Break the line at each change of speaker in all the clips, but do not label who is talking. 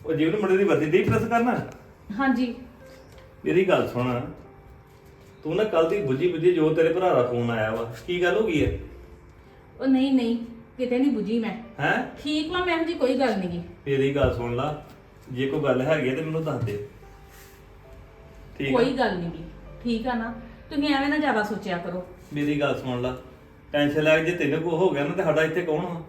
ਉਹ ਜੀਵਨ ਮੁੰਡੇ ਦੀ ਵਰਦੀ ਦੀ ਪ੍ਰੈਸ ਕਰਨਾ।
ਹਾਂਜੀ।
ਮੇਰੀ ਗੱਲ ਸੁਣ, ਤੂੰ ਨਾ ਕੱਲ ਦੀ ਬੁੱਝੀ ਜੋ ਤੇਰੇ ਭਰਾ ਦਾ ਫੋਨ ਆਇਆ ਵਾ, ਕੀ ਗੱਲ ਹੋ ਗਈ ਹੈ?
ਉਹ ਨਹੀਂ ਕਿਤੇ ਨਹੀਂ ਬੁਝੀ ਮੈਂ।
ਹੈ
ਠੀਕ ਵਾ ਮੈਂ, ਜੀ ਕੋਈ ਗੱਲ ਨਹੀਂ।
ਮੇਰੀ ਗੱਲ ਸੁਣ ਲਾ, ਜੇ ਕੋਈ ਗੱਲ ਹੈਗੀ ਹੈ ਤੇ ਮੈਨੂੰ ਦੱਸ ਦੇ। ਠੀਕ
ਕੋਈ ਗੱਲ ਨਹੀਂ, ਠੀਕ ਆ ਨਾ। ਤੁਸੀਂ ਐਵੇਂ ਨਾ ਜ਼ਿਆਦਾ ਸੋਚਿਆ ਕਰੋ।
ਮੇਰੀ ਗੱਲ ਸੁਣ ਲਾ, ਟੈਨਸ਼ਨ ਲੈ ਕੇ ਜੇ ਤੈਨੂੰ ਕੋ ਹੋ ਗਿਆ ਨਾ ਤੇ ਸਾਡਾ ਇੱਥੇ ਕੌਣ ਵਾ?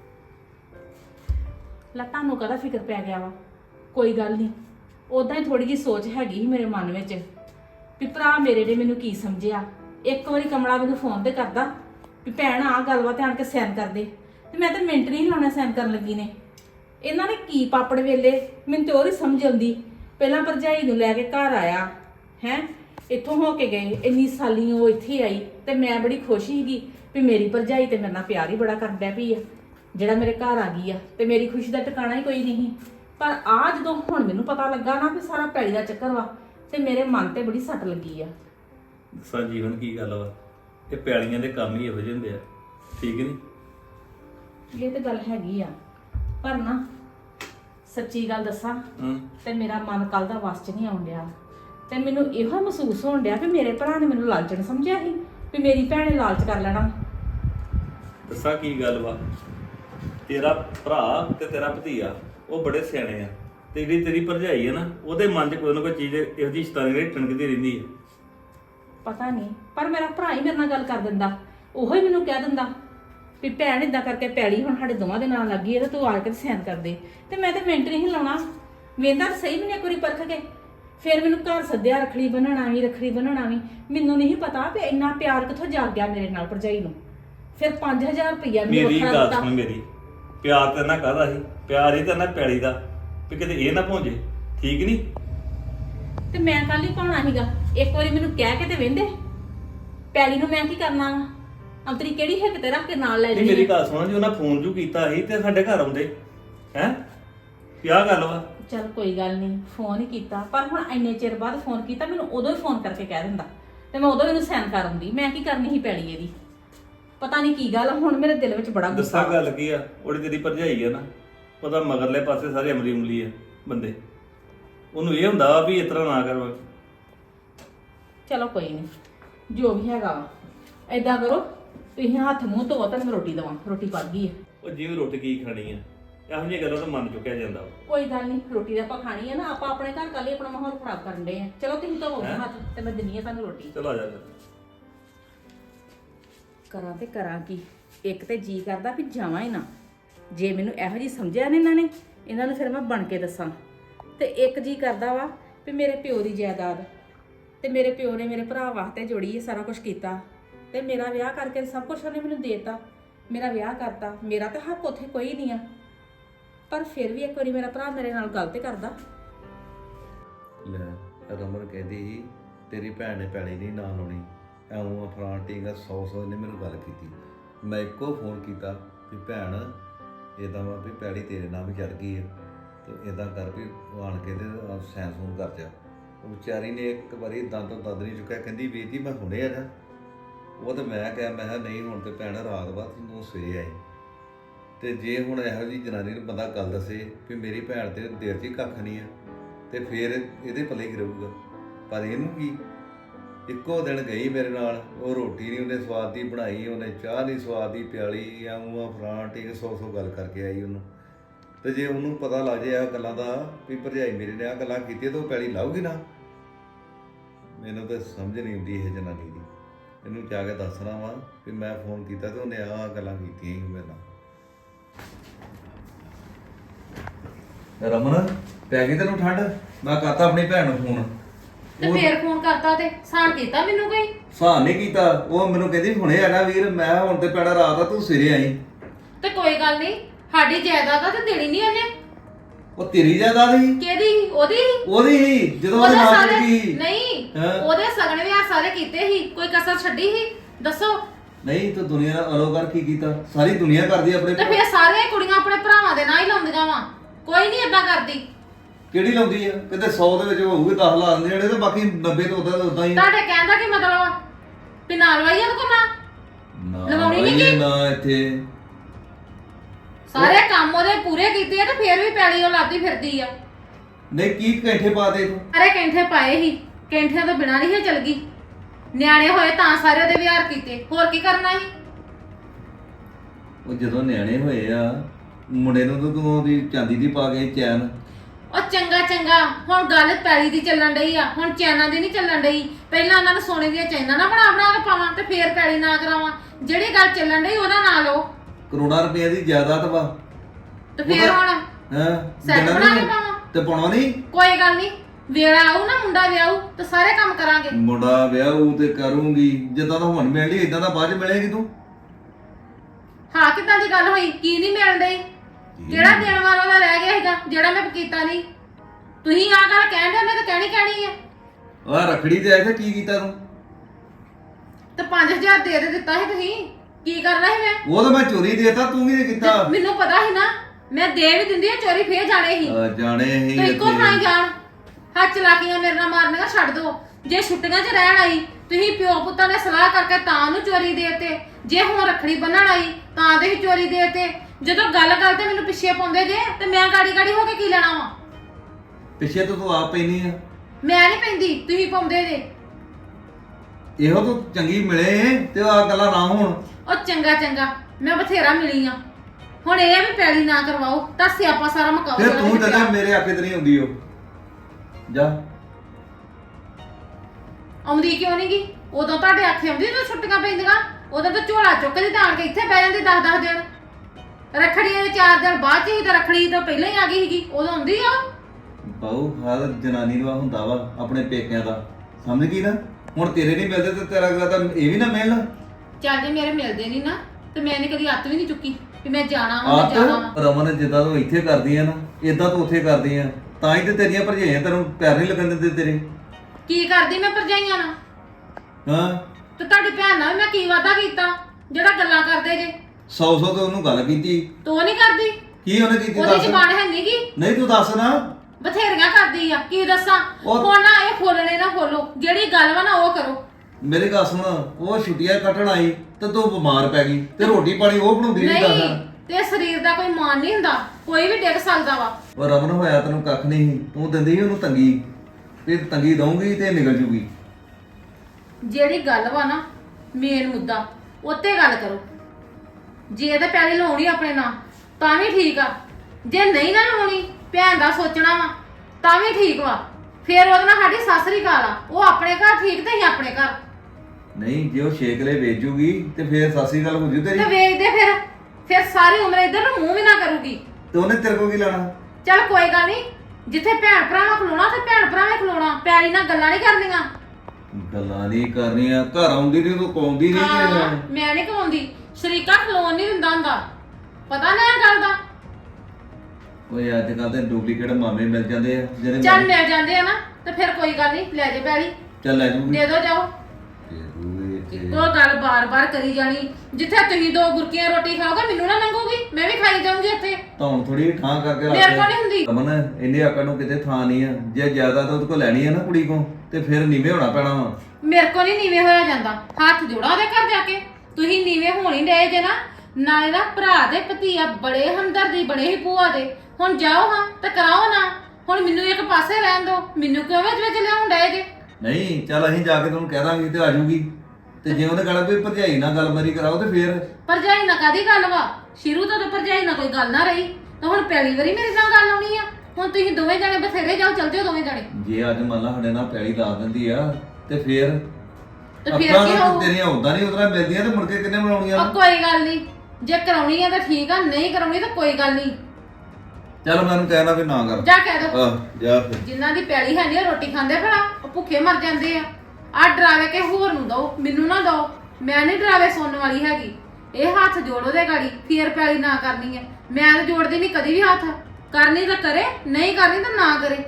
ਲੈ ਤੁਹਾਨੂੰ ਕਾਹਦਾ ਫਿਕਰ ਪੈ ਗਿਆ ਵਾ? ਕੋਈ ਗੱਲ ਨਹੀਂ। ਉਦਾਂ ਹੀ ਥੋੜੀ ਜਿਹੀ ਸੋਚ ਹੈਗੀ ਸੀ ਮੇਰੇ ਮਨ ਵਿੱਚ ਵੀ ਭਰਾ ਮੇਰੇ ਨੇ ਮੈਨੂੰ ਕੀ ਸਮਝਿਆ। ਇੱਕ ਵਾਰੀ ਕਮਲਾ ਮੈਨੂੰ ਫੋਨ ਤੇ ਕਰਦਾ ਵੀ ਭੈਣ ਆਹ ਗੱਲਬਾਤ ਆਣ ਕੇ ਸਾਈਨ ਕਰ ਦੇ, ਤੇ ਮੈਂ ਤਾਂ ਮਿੰਟ ਨਹੀਂ ਲਾਉਣਾ ਸਾਈਨ ਕਰਨ ਲੱਗੀ ਨੇ। ਇਹਨਾਂ ਨੇ ਕੀ ਪਾਪੜ ਵੇਲੇ, ਮੈਨੂੰ ਤੇ ਉਹ ਨਹੀਂ ਸਮਝ ਆਉਂਦੀ। ਪਹਿਲਾਂ ਭਰਜਾਈ ਨੂੰ ਲੈ ਕੇ ਘਰ ਆਇਆ ਹੈ, ਇੱਥੋਂ ਹੋ ਕੇ ਗਏ, ਇੰਨੀ ਸਾਲੀ ਉਹ ਇੱਥੇ ਆਈ ਤੇ ਮੈਂ ਬੜੀ ਖੁਸ਼ ਸੀਗੀ ਵੀ ਮੇਰੀ ਭਰਜਾਈ ਤੇ ਮੇਰੇ ਨਾਲ ਪਿਆਰ ਹੀ ਬੜਾ ਕਰਦਾ ਪਈ ਆ, ਜਿਹੜਾ ਮੇਰੇ ਘਰ ਆ ਗਈ ਆ, ਤੇ ਮੇਰੀ ਖੁਸ਼ੀ ਦਾ ਟਿਕਾਣਾ ਹੀ ਕੋਈ ਨਹੀਂ। ਪਰ ਆ ਜਦੋਂ ਹੁਣ ਮੈਨੂੰ ਪਤਾ ਲੱਗਾ ਨਾ ਵੀ ਸਾਰਾ ਪੈਲੀ ਦਾ ਚੱਕਰ ਵਾ, ਤੇ ਮੇਰੇ ਮਨ ਤੇ ਬੜੀ ਸੱਟ ਲੱਗੀ ਆ।
ਦੱਸਾਂ ਜੀਵਨ ਕੀ ਗੱਲ ਵਾ, ਇਹ ਪੈਲੀਆਂ ਦੇ ਕੰਮ ਹੀ ਇਹੋ ਜਿਹੇ ਹੁੰਦੇ ਆ, ਠੀਕ ਨਹੀਂ?
ਇਹ ਤੇ ਗੱਲ ਹੈਗੀ ਆ, ਪਰ ਨਾ ਸੱਚੀ ਗੱਲ ਦੱਸਾਂ ਤੇ ਮੇਰਾ ਮਨ ਕੱਲ ਦਾ ਵਸ ਚ ਨਹੀਂ ਆਉਣ ਡਿਆ। ਤੇ ਮੈਨੂੰ ਇਹੋ ਮਹਿਸੂਸ ਹੋਣ ਡਿਆ ਕਿ ਮੇਰੇ ਭਰਾ ਨੇ ਮੈਨੂੰ ਲਾਲਚਣ ਸਮਝਿਆ ਸੀ ਵੀ ਮੇਰੀ ਭੈਣ ਨੇ ਲਾਲਚ ਕਰ ਲੈਣਾ।
ਦੱਸਾਂ ਕੀ ਗੱਲ ਵਾ, ਤੇਰਾ ਭਰਾ ਤੇ ਤੇਰਾ ਭਤੀਆ ਉਹ ਬੜੇ ਸਿਆਣੇ ਆ, ਤੇ ਜਿਹੜੀ ਤੇਰੀ ਭਰਜਾਈ ਆ ਨਾ, ਉਹਦੇ ਮਨ 'ਚ ਕੋਈ ਨਾ ਕੋਈ ਚੀਜ਼ ਇਹੋ ਜਿਹੀ ਸ਼ੈਤਾਨੀ ਜਿਹੜੀ ਟਣਕਦੀ ਰਹਿੰਦੀ ਹੈ।
ਪਤਾ ਨਹੀਂ, ਪਰ ਮੇਰਾ ਭਰਾ ਹੀ ਮੇਰੇ ਨਾਲ ਗੱਲ ਕਰ ਦਿੰਦਾ। ਉਹੋ ਹੀ ਮੈਨੂੰ ਕਹਿ ਦਿੰਦਾ ਵੀ ਭੈਣ ਇਦਾਂ ਕਰਕੇ ਪੈਲੀ ਹੁਣ ਸਾਡੇ ਦੋਵਾਂ ਦੇ ਨਾਲ ਲੱਗੀ ਹੈ ਤੇ ਤੂੰ ਆ ਕੇ ਸਾਈਨ ਕਰ ਦੇ। ਤੇ ਮੈਂ ਤੇ ਮਿੰਟ ਨਹੀਂ ਲਾਉਣਾ, ਵੇਂਦਾ ਸਹੀ ਮੈਨੂੰ ਇੱਕ ਵਾਰੀ ਪਰਖ ਕੇ। ਫਿਰ ਮੈਨੂੰ ਘਰ ਸੱਦਿਆ, ਰੱਖੜੀ ਬੰਨ੍ਹਣਾ ਵੀ। ਮੈਨੂੰ ਨਹੀਂ ਪਤਾ ਵੀ ਇੰਨਾ ਪਿਆਰ ਕਿੱਥੋਂ ਜਾਗ ਗਿਆ ਮੇਰੇ ਨਾਲ ਭਰਜਾਈ ਨੂੰ। ਫਿਰ 5000 ਰੁਪਈਆ ਮੈਨੂੰ
ਮੇਰੀ
ਵੱਖਰਾ
ਗੱਲ
ਦਿੱਤਾ।
ਸੁਣ, ਮੇਰੀ ਪਿਆਰ ਤੇ ਨਾ ਕਾਹਦਾ ਸੀ, ਪਿਆਰ ਹੀ ਤੇ ਨਾ ਪੈਲੀ ਦਾ, ਵੀ ਕਿਤੇ ਇਹ ਨਾ ਪਹੁੰਚੇ, ਠੀਕ ਨਹੀਂ?
ਤੇ ਮੈਂ ਕੱਲ ਹੀ ਪਾਉਣਾ ਸੀਗਾ, ਇੱਕ ਵਾਰੀ ਮੈਨੂੰ ਕਹਿ ਕੇ ਤੇ ਵਹਿੰਦੇ। ਪੈਲੀ ਨੂੰ ਮੈਂ ਕੀ ਕਰਨਾ ਵਾ? ਅੰਤਰੀ ਕਿਹੜੀ ਹਿੱਕ ਤੇ ਰੱਖ ਕੇ ਨਾਲ ਲੈ
ਨਹੀਂ
ਜਾਣੀ?
ਮੇਰੀ ਗੱਲ ਸੁਣ, ਜੇ ਉਹਨਾਂ ਫੋਨ ਜੂ ਕੀਤਾ ਸੀ ਤੇ ਸਾਡੇ ਘਰ ਆਉਂਦੇ ਹੈ, ਕੀ ਆਹ ਗੱਲ ਵਾ?
ਚੱਲ ਕੋਈ ਗੱਲ ਨਹੀਂ, ਫੋਨ ਹੀ ਕੀਤਾ, ਪਰ ਹੁਣ ਇੰਨੇ ਚਿਰ ਬਾਅਦ ਫੋਨ ਕੀਤਾ, ਮੈਨੂੰ ਉਦੋਂ ਹੀ ਫੋਨ ਕਰਕੇ ਕਹਿ ਦਿੰਦਾ ਤੇ ਮੈਂ ਉਦੋਂ ਇਹਨੂੰ ਸਾਈਨ ਕਰ ਆਉਂਦੀ। ਮੈਂ ਕੀ ਕਰਨੀ ਸੀ ਪੈਲੀ ਇਹਦੀ? ਪਤਾ ਨਹੀਂ ਕੀ ਗੱਲ, ਹੁਣ ਮੇਰੇ ਦਿਲ ਵਿੱਚ ਬੜਾ ਗੁੱਸਾ।
ਦੱਸਾਂ ਗੱਲ ਕੀ ਆ, ਉਹਦੀ ਤੇਰੀ ਭਰਜਾਈ ਆ ਨਾ, ਉਹਦਾ ਮਗਰਲੇ ਪਾਸੇ ਸਾਰੇ ਅਮਲੀ ਉਮਲੀ ਆ ਬੰਦੇ, ਉਹਨੂੰ ਇਹ ਹੁੰਦਾ ਵਾ ਵੀ ਇਸ ਤਰ੍ਹਾਂ ਨਾ ਕਰ।
ਚਲੋ ਕੋਈ ਨਹੀਂ, ਜੋ ਵੀ ਹੈਗਾ ਵਾ। ਏਦਾਂ ਕਰੋ, ਤੁਸੀਂ ਹੱਥ ਮੂੰਹ ਧੋ ਤਾਂ ਮੈਂ ਰੋਟੀ ਦੇਵਾਂ, ਰੋਟੀ ਪੱਕ ਗਈ ਹੈ।
ਉਹ ਜਿਵੇਂ ਰੋਟੀ ਕੀ ਖਾਣੀ ਆ, ਇਹੋ ਜਿਹੀਆਂ ਗੱਲਾਂ ਤਾਂ ਮਨ ਚੁੱਕਿਆ ਜਾਂਦਾ ਵਾ।
ਕੋਈ ਗੱਲ ਨਹੀਂ, ਰੋਟੀ ਤਾਂ ਆਪਾਂ ਖਾਣੀ ਹੈ ਨਾ, ਆਪਾਂ ਆਪਣੇ ਘਰ ਕੱਲ ਹੀ ਆਪਣਾ ਮਾਹੌਲ ਖਰਾਬ ਕਰਨ ਦੇ ਆ। ਚਲੋ ਤੁਸੀਂ ਧੋਵੋ ਹੱਥ ਤੇ ਮੈਂ ਦਿੰਨੀ ਆ ਤੁਹਾਨੂੰ ਰੋਟੀ।
ਚਲੋ ਆ ਜਾ।
ਕਰਾਂ ਤੇ ਕਰਾਂ ਕੀ? ਇੱਕ ਤੇ ਜੀ ਕਰਦਾ ਵੀ ਜਾਵਾਂ ਹੀ ਨਾ, ਜੇ ਮੈਨੂੰ ਇਹੋ ਜਿਹੀ ਸਮਝਿਆ ਨੇ ਇਹਨਾਂ ਨੂੰ ਫਿਰ ਮੈਂ ਬਣ ਕੇ ਦੱਸਾਂ। ਤੇ ਇੱਕ ਜੀ ਕਰਦਾ ਵਾ ਵੀ ਮੇਰੇ ਪਿਓ ਦੀ ਜਾਇਦਾਦ, ਤੇ ਮੇਰੇ ਪਿਓ ਨੇ ਮੇਰੇ ਭਰਾ ਵਾਸਤੇ ਜੋੜੀ ਇਹ ਸਾਰਾ ਕੁਝ ਕੀਤਾ, ਤੇ ਮੇਰਾ ਵਿਆਹ ਕਰਕੇ ਸਭ ਕੁਝ ਉਹਨੇ ਮੈਨੂੰ ਦੇਤਾ। ਮੇਰਾ ਵਿਆਹ ਕਰਤਾ, ਮੇਰਾ ਤਾਂ ਹੱਕ ਉੱਥੇ ਕੋਈ ਨਹੀਂ ਆ। ਪਰ ਫਿਰ ਵੀ ਇੱਕ ਵਾਰੀ ਮੇਰਾ ਭਰਾ ਮੇਰੇ ਨਾਲ ਗਲਤ ਕਰਦਾ।
ਲੈ ਰਮਨ ਕਹਿੰਦੀ ਸੀ ਤੇਰੀ ਭੈਣ ਨੇ ਪੈਲੀ ਨਹੀਂ ਨਾ ਲਾਉਣੀ, ਐਉਂ ਫਰਾਂਟੀਗਾ 100 ਨੇ ਮੈਨੂੰ ਗੱਲ ਕੀਤੀ। ਮੈਂ ਇੱਕੋ ਫੋਨ ਕੀਤਾ ਵੀ ਭੈਣ ਇੱਦਾਂ ਵਾ ਵੀ ਪੈਲੀ ਤੇਰੇ ਨਾਲ ਵੀ ਚੜ ਗਈ ਹੈ, ਤੇ ਇੱਦਾਂ ਕਰ ਵੀ ਆਣ ਕੇ ਤੇ ਸਾਈਨ ਸੂਨ ਕਰ ਜਾ। ਉਹ ਵਿਚਾਰੀ ਨੇ ਇੱਕ ਵਾਰੀ ਦੰਦ ਤੋਂ ਦੰਦ ਨਹੀਂ ਚੁੱਕਿਆ, ਕਹਿੰਦੀ ਵੀਰ ਜੀ ਮੈਂ ਹੁਣੇ ਆ ਜਾ। ਉਹ ਤਾਂ ਮੈਂ ਕਿਹਾ ਨਹੀਂ ਹੁਣ ਤੇ ਭੈਣ ਰਾਤ ਬਾਅਦ ਤੂੰ ਸਵੇਰੇ ਆਈ। ਤੇ ਜੇ ਹੁਣ ਇਹੋ ਜਿਹੀ ਜਨਾਨੀ ਨੂੰ ਬੰਦਾ ਗੱਲ ਦੱਸੇ ਵੀ ਮੇਰੀ ਭੈਣ ਤੇ ਦੇਰ 'ਚ ਹੀ ਕੱਖ ਨਹੀਂ ਆ, ਤੇ ਫਿਰ ਇਹਦੇ ਪੱਲੇ ਕੀ ਰਹੂਗਾ? ਪਰ ਇਹਨੂੰ ਕੀ, ਇੱਕੋ ਦਿਨ ਗਈ ਮੇਰੇ ਨਾਲ, ਉਹ ਰੋਟੀ ਨਹੀਂ ਉਹਨੇ ਸਵਾਦ ਦੀ ਬਣਾਈ, ਉਹਨੇ ਚਾਹ ਨਹੀਂ ਸਵਾਦ ਦੀ ਪਿਆਲੀ, ਆਊਂ ਫਰਾਂਟੀ 100 ਗੱਲ ਕਰਕੇ ਆਈ ਉਹਨੂੰ। ਤੇ ਜੇ ਉਹਨੂੰ ਪਤਾ ਲੱਗ ਜਾਏ ਆ ਗੱਲਾਂ ਦਾ ਵੀ ਭਰਜਾਈ ਮੇਰੇ ਨੇ ਆਹ ਗੱਲਾਂ ਕੀਤੀਆਂ, ਤਾਂ ਉਹ ਪੈਲੀ ਲਾਊਗੀ ਨਾ। ਮੈਨੂੰ ਤਾਂ ਸਮਝ ਨਹੀਂ ਆਉਂਦੀ ਇਹ ਜਨਾਨੀ ਦੀ। ਇਹਨੂੰ ਜਾ ਕੇ ਦੱਸਣਾ ਵਾ ਵੀ ਮੈਂ ਫੋਨ ਕੀਤਾ ਤੇ ਉਹਨੇ ਆਹ ਗੱਲਾਂ ਕੀਤੀਆਂ ਸੀ ਮੇਰੇ ਨਾਲ। ਰਮਨ ਪੈ ਗਈ ਤੈਨੂੰ ਠੰਡ? ਮੈਂ ਕਰਤਾ ਆਪਣੀ ਭੈਣ ਨੂੰ ਫੋਨ,
ਤੇ ਫੇਰ ਫੋਨ ਕਰਤਾ ਤੇ ਸਾਨ ਕੀਤਾ ਮੈਨੂੰ ਕੋਈ?
ਸਾਨ ਨਹੀਂ ਕੀਤਾ, ਉਹ ਮੈਨੂੰ ਕਹਿੰਦੀ ਹੁਣੇ ਆਣਾ ਵੀਰ, ਮੈਂ ਹੁਣ ਤੇ ਪੈਣਾ ਰਾਤ ਆ, ਤੂੰ ਸਵੇਰੇ ਆਈ।
ਤੇ ਕੋਈ ਗੱਲ ਨਹੀਂ, ਸਾਡੀ ਜਾਇਦਾਦ ਆ ਤੇ ਦੇਣੀ ਨਹੀਂ ਉਹਨੇ।
ਉਹ ਤੇਰੀ ਜਾਇਦਾਦ ਸੀ?
ਕਿਹਦੀ? ਉਹਦੀ
ਉਹਦੀ ਹੀ, ਜਦੋਂ ਉਹਦੇ
ਉਹਦੇ
ਨਾਲ
ਸਾਰੇ
ਗਈ।
ਨਹੀਂ,
ਹੈਂ?
ਉਹਦੇ ਸਗਣ ਵਿਆਹ ਸਾਰੇ ਕੀਤੇ ਸੀ, ਕੋਈ ਕਸਰ ਛੱਡੀ ਸੀ? ਦੱਸੋ।
ਨਹੀਂ ਤੂੰ ਦੁਨੀਆ ਨਾਲ ਅਲੋਕਾਰ ਕੀ ਕੀਤਾ? ਸਾਰੀ ਦੁਨੀਆ ਕਰਦੀ ਆਪਣੇ
ਤੇ ਫੇਰ ਸਾਰੀਆਂ ਕੁੜੀਆਂ ਆਪਣੇ ਭਰਾਵਾਂ ਦੇ ਨਾਂ ਹੀ ਲਾਉਂਦੀਆਂ ਵਾ, ਕੋਈ ਨਹੀਂ ਏਦਾਂ ਕਰਦੀ।
ਕਿਹੜੀ ਲਾਉਂਦੀ ਆ? ਕਿਤੇ 100 ਦੇ ਵਿੱਚ ਹੋਊਗੀ 10 ਲਾ ਦਿੰਦੇ ਨੇ, ਤੇ ਬਾਕੀ 90 ਤੋਂ ਉਦਾਂ ਹੀ।
ਤੁਹਾਡੇ ਕਹਿਣ ਦਾ ਕੀ ਮਤਲਬ ਆ? ਵੀ ਨਾਲ ਵਾਈ ਉਹਦੇ ਕੋਲ ਨਾ
ਨਾ
ਲਵਾਉਣੀ ਨੀ
ਇਹ
ਗੀ?
ਨਾ ਇੱਥੇ
ਸਾਰੇ ਕੰਮ ਉਹਦੇ ਪੂਰੇ ਕੀਤੇ ਆ ਤੇ ਫੇਰ ਵੀ ਪੈਲੀ ਉਹ ਲਾਦੀ ਫਿਰਦੀ ਆ।
ਨਹੀਂ ਕੀ ਕੈਂਠੇ ਪਾ ਦੇ ਤੂੰ?
ਸਾਰੇ ਕੈਂਠੇ ਪਾਏ ਸੀ, ਕੈਂਠਿਆਂ ਤੋਂ ਬਿਨਾਂ ਨਹੀਂ ਚਲ ਗਈ। ਨਿਆਣੇ ਹੋਏ ਤਾਂ ਸਾਰੇ ਉਹਦੇ ਵਿਹਾਰ ਕੀਤੇ, ਹੋਰ ਕੀ ਕਰਨਾ ਸੀ?
ਉਹ ਜਦੋਂ ਨਿਆਣੇ ਹੋਏ ਆ ਮੁੰਡੇ ਨੂੰ ਤਾਂ ਤੂੰ ਉਹਦੀ ਚਾਂਦੀ ਦੀ ਪਾ ਕੇ ਚੈਨ।
ਉਹ ਚੰਗਾ ਚੰਗਾ, ਹੁਣ ਗੱਲ ਪੈਲੀ ਦੀ ਚੱਲਣ ਡਈ ਆ, ਹੁਣ ਚੈਨਾਂ ਦੀ ਨਹੀਂ ਚੱਲਣ ਡਈ। ਪਹਿਲਾਂ ਉਹਨਾਂ ਨੂੰ ਸੋਨੇ ਦੀਆਂ ਚੈਨਾਂ ਨਾ ਬਣਾ ਬਣਾ ਕੇ ਪਾਵਾਂ ਤੇ ਫੇਰ ਪੈਲੀ ਨਾ ਕਰਾਵਾਂ। ਜਿਹੜੀ ਗੱਲ ਚੱਲਣ ਡਈ ਉਹਦਾ ਨਾਂ ਲਓ
ਕਰੋੜਾਂ ਰੁਪਏ ਦੀ ਜਾਇਦਾਦ ਵਾ
ਤੇ ਫੇਰ ਹੁਣ
ਹਾਂ
ਸੈੱਟ
ਦੇਣਾ
ਬਣਾ
ਨੀ?
ਕੇ ਪਾਵਾਂ।
ਤੇ ਪਾਉਣਾ ਨਹੀਂ?
ਕੋਈ ਗੱਲ ਨਹੀਂ, ਵੇਲਾ ਆਊ ਨਾ ਮੁੰਡਾ ਵਿਆਹੂ ਤੇ ਸਾਰੇ ਕੰਮ ਕਰਾਂਗੇ।
ਮੁੰਡਾ ਵਿਆਹੂ ਤੇ ਕਰੂੰਗੀ, ਜਿੱਦਾਂ ਦਾ ਹੁਣ ਮਿਲਣੀ ਇਦਾਂ ਦਾ ਬਾਅਦ ਚ ਮਿਲੇਗੀ ਤੂੰ।
ਹਾਂ ਕਿੱਦਾਂ ਦੀ ਗੱਲ ਹੋਈ? ਕੀ ਨਹੀਂ ਮਿਲਣ ਡਈ? ਕਿਹੜਾ ਦੇਣ ਵਾਲਾ ਉਹਦਾ ਰਹਿ ਗਿਆ ਸੀਗਾ ਜਿਹੜਾ ਮੈਂ ਕੀਤਾ ਨਹੀਂ? ਤੁਸੀਂ ਆਹ ਗੱਲ ਕਹਿਣ ਦੇ, ਉਹਨੇ ਤਾਂ ਕਹਿਣੀ ਆ।
ਆਹ ਰੱਖੜੀ ਤੇ ਆਇਆ ਤੇ ਕੀ ਕੀਤਾ ਤੂੰ?
ਤੇ 5000 ਦੇ ਦਿੱਤਾ ਸੀ ਤੁਸੀਂ, ਕੀ ਕਰਨਾ ਸੀ ਮੈਂ?
ਉਹ ਤਾਂ ਮੈਂ ਚੋਰੀ ਦੇਤਾ, ਤੂੰ ਕੀ ਕੀਤਾ?
ਮੈਨੂੰ ਪਤਾ ਸੀ ਨਾ, ਮੈਂ ਦੇ ਵੀ ਦਿੰਦੀ ਆ, ਚੋਰੀ ਫੇਰ ਜਾਣੇ ਸੀ।
ਜਾਣੇ ਹੀ
ਤੁਸੀਂ ਇੱਕੋ ਥਾਂ ਹੀ ਜਾਣ। ਹੱਥ ਚਲਾਕੀਆਂ ਮੇਰੇ ਨਾਲ ਮਾਰਨੀਆਂ ਛੱਡ ਦੋ। ਜੇ ਛੁੱਟੀਆਂ 'ਚ ਰਹਿਣ ਆਈ ਤੁਸੀਂ ਪਿਓ ਪੁੱਤਾਂ ਨੇ ਸਲਾਹ ਕਰਕੇ ਤਾਂ ਉਹਨੂੰ ਚੋਰੀ ਦੇਤੇ। ਜੇ ਹੁਣ ਰੱਖੜੀ ਬੰਨਣ ਆਈ ਤਾਂ ਦੇ ਹੀ ਚੋਰੀ ਦੇਤੇ। ਜਦੋਂ ਗੱਲ ਤੇ ਮੈਨੂੰ ਪਿੱਛੇ ਪਾਉਂਦੇ ਜੇ ਤੇ ਮੈਂ ਗਾੜੀ ਗਾੜੀ ਹੋ ਕੇ ਕੀ ਲੈਣਾ ਵਾ?
ਪਿੱਛੇ ਤਾਂ ਤੂੰ ਆਪ ਪੈਣੀ ਆ।
ਮੈਂ ਨਹੀਂ ਪੈਂਦੀ, ਤੁਸੀਂ ਪਾਉਂਦੇ ਜੇ।
ਇਹੋ ਤੂੰ ਚੰਗੀ ਮਿਲੇ ਤੇ ਆ ਗੱਲਾਂ ਨਾ ਹੋਣ।
ਉਹ ਚੰਗਾ ਚੰਗਾ, ਮੈਂ ਬਥੇਰਾ ਮਿਲੀ ਆ। ਹੁਣ ਇਹ ਵੀ ਪੈਲੀ ਨਾ ਕਰਵਾਓ ਤਾਂ ਸਿਆਪਾ ਸਾਰਾ ਮੁਕਾਓ।
ਫਿਰ ਤੂੰ ਤਾਂ ਜਾ, ਮੇਰੇ ਆਖੇ ਤੇ ਨਹੀਂ ਹੁੰਦੀ ਉਹ। ਜਾ
ਆਉਂਦੀ ਕਿਉਂ ਨਹੀਂ ਗਈ? ਉਦੋਂ ਤੁਹਾਡੇ ਆਖੇ ਆਉਂਦੀ ਜਦੋਂ ਛੁੱਟੀਆਂ ਪੈਂਦੀਆਂ। ਉਦੋਂ ਤਾਂ ਝੋਲਾ ਚੁੱਕ ਕੇ ਤਾਂ ਆਣ ਕੇ ਇੱਥੇ ਬਹਿ ਜਾਂਦੀ 10-10 ਦਿਨ। ਰੱਖੜੀਆਂ ਦੇ 4 ਦਿਨ ਬਾਅਦ ਚ ਹੀ ਤਾਂ ਰੱਖੜੀ ਤੋਂ ਪਹਿਲਾਂ ਹੀ ਆ ਗਈ ਸੀਗੀ, ਉਦੋਂ ਆਉਂਦੀ ਆ।
ਬਾਹੂ ਹਰ ਜਨਾਨੀ ਦਾ ਹੁੰਦਾ ਵਾ ਆਪਣੇ ਪੇਕਿਆਂ ਦਾ, ਸਮਝ ਗਈ ਨਾ? ਹੁਣ ਤੇਰੇ ਨਹੀਂ ਮਿਲਦੇ ਤੇ ਤੇਰਾ ਤਾਂ ਇਹ ਵੀ ਨਾ ਮਿਲਣ।
ਚੱਲ ਜੇ ਮੇਰੇ ਮਿਲਦੇ ਨਹੀਂ ਨਾ ਤੇ ਮੈਂ ਕਦੀ ਹੱਥ ਵੀ ਨਹੀਂ ਚੁੱਕੀ ਵੀ ਮੈਂ ਜਾਣਾ ਵਾ, ਮੈਂ ਜਾਣਾ ਵਾ।
ਆਪ ਰਮਨ ਜਿੱਦਾਂ ਤੂੰ ਇੱਥੇ ਕਰਦੀ ਆ ਨਾ, ਇਦਾਂ ਤੂੰ ਉੱਥੇ ਕਰਦੀ ਆ, ਤਾਂ ਹੀ ਤੇ ਤੇਰੀਆਂ ਭਰਜਾਈਆਂ ਤੈਨੂੰ ਪੈਰ ਨਹੀਂ ਲੱਗਣ ਦਿੰਦੇ ਤੇਰੇ।
ਕੀ ਕਰਦੀ ਮੈਂ ਭਰਜਾਈਆਂ ਨਾਲ?
ਹਾਂ
ਤੇ ਤੁਹਾਡੀ ਭੈਣ ਨਾਲ ਵੀ ਮੈਂ ਕੀ ਵਾਦਾ ਕੀਤਾ ਜਿਹੜਾ ਗੱਲਾਂ ਕਰਦੇ ਜੇ?
100 ਤੇ ਉਹਨੂੰ ਗੱਲ ਕੀਤੀ।
ਤੂੰ ਨਹੀਂ ਕਰਦੀ?
ਕੀ ਉਹਨੇ ਕੀਤੀ
ਉਹਦੀ
ਦੱਸ?
ਜ਼ਬਾਨ ਹੈ ਨੀ ਗੀ।
ਨਹੀਂ ਤੂੰ ਦੱਸ ਨਾ।
ਬਥੇਰੀਆਂ ਕਰਦੀ ਆ, ਕੀ ਦੱਸਾਂ?
ਉਹ-
ਹੁਣ ਨਾ ਇਹ ਫੋਲਣੇ ਨਾ ਫੋਲੋ, ਜਿਹੜੀ ਗੱਲ ਵਾ ਨਾ ਉਹ ਕਰੋ।
ਮੇਰੀ ਗੱਲ ਸੁਣ, ਉਹ ਛੁੱਟੀਆਂ ਕੱਟਣ ਆਈ ਤੇ ਤੂੰ ਬਿਮਾਰ ਪੈ ਗਈ ਤੇ ਰੋਟੀ ਪਾਣੀ ਉਹ ਬਣਾਉਂਦੀ ਨਹੀਂ
ਨਹੀਂ
ਦੱਸ।
ਤੇ ਸਰੀਰ ਦਾ ਕੋਈ ਮਾਨ ਨਹੀਂ ਹੁੰਦਾ, ਕੋਈ ਵੀ ਡਿੱਗ ਸਕਦਾ ਵਾ।
ਉਹ ਰਮਨ ਹੋਇਆ ਤੈਨੂੰ ਕੱਖ ਨਹੀਂ ਸੀ, ਤੂੰ ਦਿੰਦੀ ਸੀ ਉਹਨੂੰ ਤੰਗੀ, ਤੇ ਤੰਗੀ ਦਊਂਗੀ ਤੇ ਨਿਕਲ ਜੂਗੀ।
ਜਿਹੜੀ ਗੱਲ ਵਾ ਨਾ ਮੇਨ ਮੁੱਦਾ, ਉੱਤੇ ਗੱਲ ਕਰੋ। ਜੇ ਤਾਂ ਪੈਲੀ ਲਾਉਣੀ ਆਪਣੇ ਨਾਲ ਤਾਂ ਵੀ ਠੀਕ ਆ, ਜੇ ਨਹੀਂ ਨਾ ਲਾਉਣੀ ਭੈਣ ਦਾ ਸੋਚਣਾ ਵਾ ਤਾਂ ਵੀ ਠੀਕ ਵਾ। ਫੇਰ ਉਹਦੇ ਨਾਲ ਸਾਡੀ ਸਾਸਰੀ ਕਾਲ ਆ, ਉਹ ਆਪਣੇ ਘਰ ਠੀਕ ਤੇ ਹੀ ਆਪਣੇ ਘਰ।
ਨਹੀਂ ਜੇ ਉਹ ਛੇਕਲੇ ਵੇਚੂਗੀ ਤੇ ਫੇਰ ਸਾਸੀ ਗੱਲ ਹੋ ਜੂ
ਤੇ
ਤੇਰੀ।
ਵੇਚਦੇ ਫਿਰ ਸਾਰੀ ਉਮਰ ਇਧਰ ਨੂੰ ਮੂੰਹ ਵੀ ਨਾ ਕਰੂਗੀ।
ਤੇ ਉਹਨੇ ਤੇਰੇ ਕੋਲ ਕੀ ਲੈਣਾ?
ਚੱਲ ਕੋਈ ਗੱਲ ਨਹੀਂ, ਜਿੱਥੇ ਭੈਣ ਭਰਾਵਾਂ ਖਲੋਣਾ ਤੇ ਭੈਣ ਭਰਾਵਾਂ ਖਲੋਣਾ, ਪੈਲੀ ਨਾਲ ਗੱਲਾਂ ਨਹੀਂ ਕਰਨੀਆਂ।
ਗੱਲਾਂ ਨਹੀਂ ਕਰਨੀਆਂ, ਘਰ ਆਉਂਦੀ ਨਹੀਂ ਤੂੰ ਕੌਂਦੀ ਨਹੀਂ
ਹਾਂ,
ਕਿ
ਮੈਂ ਨਹੀਂ ਕਹਾਉਂਦੀ, ਸ਼ਰੀਕਾ ਖਲੋਣ ਨਹੀਂ ਦਿੰਦਾ ਹੁੰਦਾ, ਪਤਾ ਨਾ ਇਹ ਗੱਲ ਦਾ।
ਓਏ ਅੱਜ ਕੱਲ ਤੇ ਡੁਪਲੀਕੇਟ ਮਾਮੇ ਮਿਲ ਜਾਂਦੇ ਆ ਜਿਹੜੇ
ਚੱਲ ਮਿਲ ਜਾਂਦੇ ਆ ਨਾ ਤੇ ਫਿਰ ਕੋਈ ਗੱਲ ਨਹੀਂ, ਲੈ ਜੇ ਪੈਲੀ,
ਚੱਲ ਲੈ ਜੂਗੀ।
ਦੇ ਦੋ ਜਾਓ। ਉਹ ਗੱਲ ਬਾਰ-ਬਾਰ ਕਰੀ ਜਾਣੀ, ਜਿੱਥੇ ਤੁਸੀਂ 2 ਗੁਰਕੀਆਂ ਰੋਟੀ ਖਾਓਗੇ ਮੈਨੂੰ ਨਾ ਲੰਘੂਗੀ, ਮੈਂ ਵੀ ਖਾਈ ਜਾਊਂਗੀ ਇੱਥੇ।
ਤਾਂ ਹੁਣ ਥੋੜੀ ਠਾਂ ਕਰਕੇ ਰੱਖ।
ਮੇਰੇ ਕੋਲ ਨਹੀਂ ਹੁੰਦੀ।
ਅਮਨ ਇਹਨੇ ਆਕੜ ਨੂੰ ਕਿਤੇ ਥਾਂ ਨਹੀਂ ਆ, ਜੇ ਜ਼ਿਆਦਾ ਤਾਂ ਉਹਦੇ ਕੋਲ ਲੈਣੀ ਆ ਨਾ ਕੁੜੀ ਕੋ ਤੇ ਫਿਰ ਨੀਵੇਂ ਹੋਣਾ ਪੈਣਾ ਵਾ।
ਮੇਰੇ ਕੋਲ ਨਹੀਂ ਨੀਵੇਂ ਹੋਇਆ ਜਾਂਦਾ, ਹੱਥ ਜੋੜਾ ਉਹਦੇ ਘਰ ਜਾ ਕੇ। ਤੁਸੀਂ ਨੀਵੇਂ ਹੋਣ ਹੀ ਡਏ ਜੇ ਨਾ, ਨਾਲੇ ਨਾ ਭਰਾ ਦੇ ਭਤੀਆ ਬੜੇ ਹਮਦਰਦੀ ਬਣੇ ਹੀ ਭੂਆ ਦੇ। ਹੁਣ ਜਾਓ ਹਾਂ ਤੇ ਕਰਾਓ ਨਾ, ਹੁਣ ਮੈਨੂੰ ਇੱਕ ਪਾਸੇ ਰਹਿਣ ਦਿਓ, ਮੈਨੂੰ ਕਿਉਂ ਵਿੱਚ ਲਿਆਉਣ ਡਏ ਜੇ?
ਨਹੀਂ ਚੱਲ ਅਸੀਂ ਜਾ ਕੇ ਤੁਹਾਨੂੰ ਕਹਿ ਦਾਂਗੇ ਤੇ ਆ ਜੂਗੀ। ਤੇ ਜੇ ਉਹਨੇ ਕਹਿਣਾ ਵੀ ਭਰਜਾਈ ਨਾਲ ਗੱਲਬਾਰੀ ਕਰਾਓ ਤੇ ਫੇਰ
ਭਰਜਾਈ ਨਾਲ ਕਾਦੀ ਗੱਲ ਵਾ? ਸ਼ੁਰੂ ਤੋਂ ਤਾਂ ਭਰਜਾਈ ਨਾਲ ਕੋਈ ਗੱਲ ਨਾ ਰਹੀ, ਤਾਂ ਹੁਣ ਪਹਿਲੀ ਵਾਰੀ ਮੇਰੇ ਨਾਲ ਗੱਲ ਆਉਣੀ ਆ। ਹੁਣ ਤੁਸੀਂ ਦੋਵੇਂ ਜਣੇ ਬਥੇਰੇ ਜਾਓ, ਚੱਲ ਜਾਓ ਦੋਵੇਂ ਜਣੇ।
ਜੇ ਅੱਜ ਮੰਨ ਲਾ ਸਾਡੇ ਨਾਲ ਪੈਲੀ ਲਾ ਦਿੰਦੀ ਆ ਤੇ ਫੇਰ
ਤੇ ਫੇਰ
ਅੱਖਾਂ
ਕੀ
ਤਾਂ
ਹੋਊ?
ਤੇਰੀਆਂ ਉਦਾਂ ਨਹੀਂ ਉਧਰਾਂ ਮਿਲਦੀਆਂ ਤੇ ਮੁੜ ਕੇ ਕਿੰਨੇ ਬਣਾਉਣੀਆਂ?
ਉਹ ਕੋਈ ਗੱਲ ਨਹੀਂ, ਜੇ ਕਰਾਉਣੀ ਆ ਤਾਂ ਠੀਕ ਆ, ਨਹੀਂ ਕਰਾਉਣੀ ਤਾਂ ਕੋਈ ਗੱਲ ਨਹੀਂ।
ਚੱਲ ਮੈਂ ਉਹਨੂੰ ਕਹਿਣਾ ਵੀ ਨਾ ਕਰ।
ਜਾ ਕਹਿ ਦੋ,
ਜਾ ਫਿਰ।
ਜਿਨ੍ਹਾਂ ਦੀ ਪੈਲੀ ਹੈ ਨਹੀਂ ਉਹ ਰੋਟੀ ਖਾਂਦੇ ਭਲਾ, ਉਹ ਭੁੱਖੇ ਮਰ ਜਾਂਦੇ ਆ। ਆ ਡਰਾਵੇ ਕੇ ਹੋਰ ਨੂੰ ਦੋ, ਮੈਨੂੰ ਨਾ ਦੋ। ਮੈਂ ਨਹੀਂ ਡਰਾਵੇ ਸੁਣਨ ਵਾਲੀ ਹੈਗੀ। ਇਹ ਹੱਥ ਜੋੜੋ ਦੇ ਗਾੜੀ, ਫੇਰ ਪੈਲੀ ਨਾ ਕਰਨੀ ਹੈ। ਮੈਂ ਤਾਂ ਜੋੜਦੀ ਨਹੀਂ ਕਦੀ ਵੀ ਹੱਥ, ਕਰਨੀ ਤਾਂ ਕਰੇ, ਨਹੀਂ ਕਰਨੀ ਤਾਂ ਨਾ ਕਰੇ।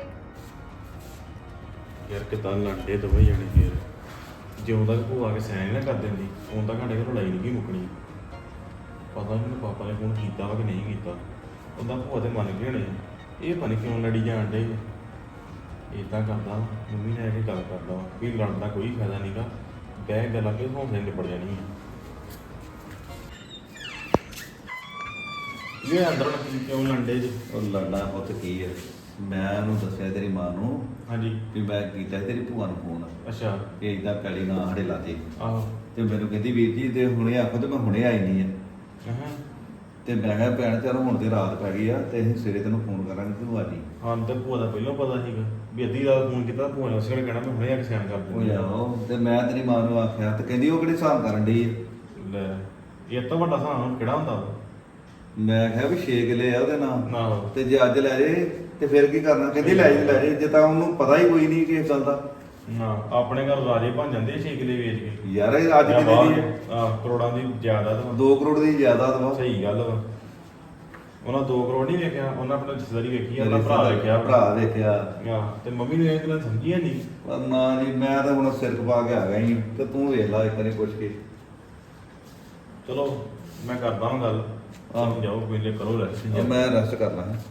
ਯਾਰ ਕਿਦਾਂ ਲੜਦੇ ਦੋਵੇਂ ਜਣੇ ਫੇਰ, ਜਿਉਂ ਤੱਕ ਭੂਆ ਕੇ ਸੈਨ ਨਾ ਕਰ ਦਿੰਦੀ ਉਦੋਂ ਤੱਕ ਸਾਡੇ ਘਰ ਲੜਾਈ ਨਹੀਂ ਮੁੱਕਣੀ। ਪਤਾ ਨਹੀਂ ਪਾਪਾ ਨੇ ਫੋਨ ਕੀਤਾ ਵਾ ਕਿ ਨਹੀਂ ਕੀਤਾ, ਉਹਦਾ ਭੂਆ ਤੇ ਮੰਨ ਗਏ ਹੋਣੇ। ਇਹ ਪਤਾ ਨਹੀਂ ਕਿਉਂ ਲੜੀ ਜਾਣ ਡੇ। ਇਦਾਂ ਕਰਦਾ ਮੰਮੀ ਨੇ ਆ ਕੇ ਗੱਲ ਕਰਦਾ ਵਾ ਵੀ ਲੜਨ ਦਾ ਕੋਈ ਫਾਇਦਾ ਨਹੀਂਗਾ, ਬਹਿ ਗੱਲਾਂ ਕੇ ਹੌਸਲੇ ਨਿਬੜ ਜਾਣੀ ਹੈ।
ਇਹ ਅੰਦਰ ਕਿਉਂ ਲੰਡੇ ਜੀ?
ਉਹ ਲੜਨਾ ਪੁੱਤ ਕੀ ਹੈ, ਮੈਂ ਉਹਨੂੰ ਦੱਸਿਆ ਤੇਰੀ ਮਾਂ ਨੂੰ
ਹਾਂਜੀ।
ਵੀ ਮੈਂ ਕੀਤਾ ਸੀ ਤੇਰੀ ਭੂਆ ਨੂੰ ਫੋਨ
ਅੱਛਾ।
ਕਿ ਇਦਾਂ ਪੈਲੀ ਨਾ ਸਾਡੇ ਲਾਤੇ,
ਆਹੋ।
ਤੇ ਮੈਨੂੰ ਕਹਿੰਦੀ ਵੀਰ ਜੀ ਤੇ ਹੁਣੇ ਆਖੋ ਤੇ ਮੈਂ ਹੁਣੇ ਆਈ ਨਹੀਂ ਆ।
ਹਾਂ
ਤੇ ਮੈਂ ਕਿਹਾ ਭੈਣ ਚੱਲ ਹੁਣ ਤੇ ਰਾਤ ਪੈ ਗਈ ਆ ਤੇ ਅਸੀਂ ਸਵੇਰੇ ਤੈਨੂੰ ਫੋਨ ਕਰਾਂਗੇ ਤੂੰ ਆ ਜੀ।
ਹਾਂ ਤੇ ਭੂਆ ਦਾ ਪਹਿਲਾਂ ਪਤਾ ਸੀਗਾ ਵੀ ਅੱਧੀ ਰਾਤ ਫੋਨ ਕੀਤਾ, ਭੂਆ ਨੇ ਉਸੇ ਵੇਲੇ ਕਹਿਣਾ ਮੈਂ ਹੁਣੇ ਆ ਕੇ ਸਿਆਣ ਕਰ
ਉਹ
ਦਿੰਦੀ
ਜਾਓ ਤੇ ਮੈਂ ਤੇਰੀ ਮਾਂ ਨੂੰ ਆਖਿਆ ਤੇ ਕਹਿੰਦੀ ਉਹ ਕਿਹੜੇ ਹਿਸਾਬ ਕਰਨ ਡਈ ਆ।
ਲੈ ਇਹ ਤਾਂ ਵੱਡਾ ਸਾਂ ਕਿਹੜਾ ਹੁੰਦਾ ਵਾ?
ਮੈਂ ਕਿਹਾ ਵੀ 6 ਕਿੱਲੇ ਆ ਉਹਦੇ ਨਾਲ,
ਆਹੋ।
ਤੇ ਜੇ ਅੱਜ ਲੈ ਜੇ ਤੇ ਫਿਰ ਕੀ ਕਰਨਾ? ਕਹਿੰਦੀ ਲੈ ਜੇ ਜੇ ਤਾਂ ਉਹਨੂੰ ਪਤਾ ਹੀ ਕੋਈ ਨਹੀਂ ਕਿਸ ਗੱਲ ਦਾ।
ਨਾ ਆਪਣੇ ਘਰ ਰਾਜੇ ਬਣ ਜਾਂਦੇ 6 ਕਿੱਲੇ ਵੇਚ ਕੇ।
ਯਾਰ ਇਹ ਅੱਜ ਕਿੰਨੇ ਦੀ ਹੈ?
ਕਰੋੜਾਂ ਦੀ ਜਾਇਦਾਦ ਵਾ।
2 ਕਰੋੜ ਦੀ ਜਾਇਦਾਦ ਵਾ।
ਸਹੀ ਗੱਲ ਵਾ। ਉਹਨਾਂ 2 ਕਰੋੜ ਨਹੀਂ ਵੇਖਿਆ, ਉਹਨਾਂ ਆਪਣਾ ਰਿਸ਼ਤੇਦਾਰੀ ਵੇਖੀ ਆ, ਆਪਣਾ ਭਰਾ ਵੇਖਿਆ।
ਭਰਾ ਵੇਖਿਆ।
ਤੇ ਮੰਮੀ ਨੂੰ ਇਹ ਗੱਲਾਂ ਸਮਝੀਆਂ ਨਹੀਂ।
ਪਰ ਨਾ ਜੀ ਮੈਂ ਤਾਂ ਹੁਣ ਸਿਰ ਖਪਾ ਕੇ ਆ ਗਿਆ ਹੀ, ਤੇ ਤੂੰ ਵੇਖ ਲੈ ਇੱਕ ਵਾਰੀ ਪੁੱਛ ਕੇ।
ਚਲੋ ਮੈਂ ਕਰਦਾ ਹਾਂ ਗੱਲ। ਜਾਓ ਕੋਈ ਨਹੀਂ, ਕਰੋ ਰੈਸਟ।
ਮੈਂ ਰੈਸਟ ਕਰਨਾ ਹੈ।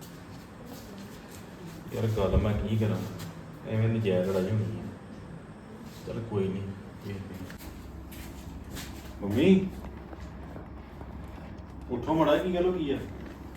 ਯਾਰ ਗੱਲ ਮੈਂ ਕੀ ਕਰਾਂ, ਐਵੇਂ ਨਜਾਇਜ਼ ਲੜਾਈ ਹੋਣੀ ਹੈ। ਚਲ ਕੋਈ ਨਹੀਂ ਵੇਖਦੇ ਹਾਂ। ਮੰਮੀ ਉੱਠੋ ਮੜਾ, ਕੀ ਗੱਲ ਹੋ ਗਈ ਆ?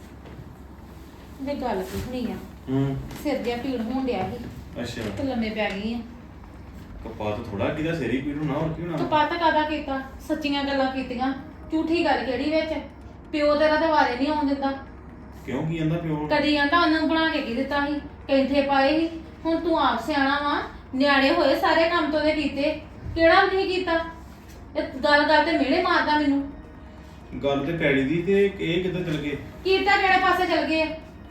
ਤੇ ਗੱਲ ਪੁੱਛਣੀ ਆ, ਸਿਰ ਜਿਹਾ ਪੀੜ ਹੋਣ ਡਿਆ ਸੀ
ਅੱਛਾ।
ਤੇ ਲੰਮੇ ਪੈ ਗਈ ਆ।
ਕਪਾਤ ਥੋੜਾ ਕਿਦਾ ਸਿਰ ਹੀ ਪੀੜ ਹੋਣਾ, ਹੋਰ ਕੀ ਹੋਣਾ?
ਤੂੰ ਪਤਾ ਕਾਦਾ ਕੀਤਾ? ਸੱਚੀਆਂ ਗੱਲਾਂ ਕੀਤੀਆਂ, ਝੂਠੀ ਗੱਲ ਕਿਹੜੀ ਵਿੱਚ? ਪਿਓ ਤੇਰਾ ਤੇ ਵਾਰੇ ਨਹੀਂ ਆਉਣ ਦਿੰਦਾ।
ਕਿਉਂ ਕੀ ਕਹਿੰਦਾ ਪਿਓ?
ਕਦੀ ਕਹਿੰਦਾ ਉਹਨੂੰ ਬਣਾ ਕੇ ਕੀ ਦਿੱਤਾ ਸੀ, ਕੈਂਠੇ ਪਾਏ ਸੀ। ਹੁਣ ਤੂੰ ਆਪ ਸਿਆਣਾ ਵਾ, ਨਿਆਣੇ ਹੋਏ ਸਾਰੇ ਕੰਮ ਤੋਂ ਦੇ ਕੀਤੇ, ਕਿਹੜਾ ਵੀ ਨਹੀਂ ਕੀਤਾ? ਇਹ ਗੱਲ ਗੱਲ ਤੇ ਮਿਹਣੇ ਮਾਰਦਾ ਮੈਨੂੰ।
ਗੱਲ ਤੇ ਪੈੜੀ ਦੀ, ਤੇ ਇਹ ਕਿੱਧਰ ਚਲ ਗਏ?
ਕੀਤਾ ਕਿਹੜੇ ਪਾਸੇ ਚਲ ਗਏ?